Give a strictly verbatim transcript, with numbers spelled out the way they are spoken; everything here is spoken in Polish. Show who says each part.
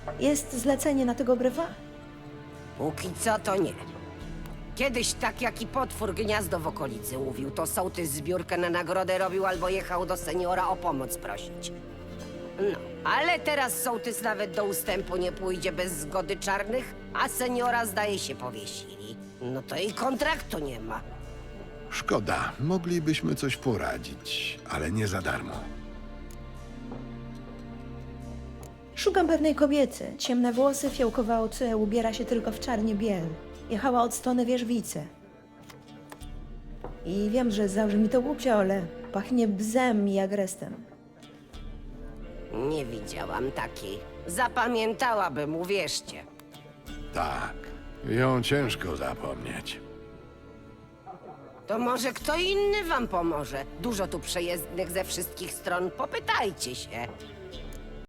Speaker 1: Jest zlecenie na tego brywa?
Speaker 2: Póki co to nie. Kiedyś tak jak i potwór gniazdo w okolicy mówił, to sołtys zbiórkę na nagrodę robił albo jechał do seniora o pomoc prosić. No, ale teraz sołtys nawet do ustępu nie pójdzie bez zgody czarnych, a seniora zdaje się powiesili. No to i kontraktu nie ma.
Speaker 3: Szkoda, moglibyśmy coś poradzić, ale nie za darmo.
Speaker 1: Szukam pewnej kobiety. Ciemne włosy, fiołkowe oczy, ubiera się tylko w czarnie biel. Jechała od strony Wierzbicy. I wiem, że zabrzmi to głupio, ale pachnie bzem i agrestem.
Speaker 2: Nie widziałam takiej. Zapamiętałabym, uwierzcie.
Speaker 3: Tak, ją ciężko zapomnieć.
Speaker 2: To może kto inny wam pomoże? Dużo tu przejezdnych ze wszystkich stron, popytajcie się.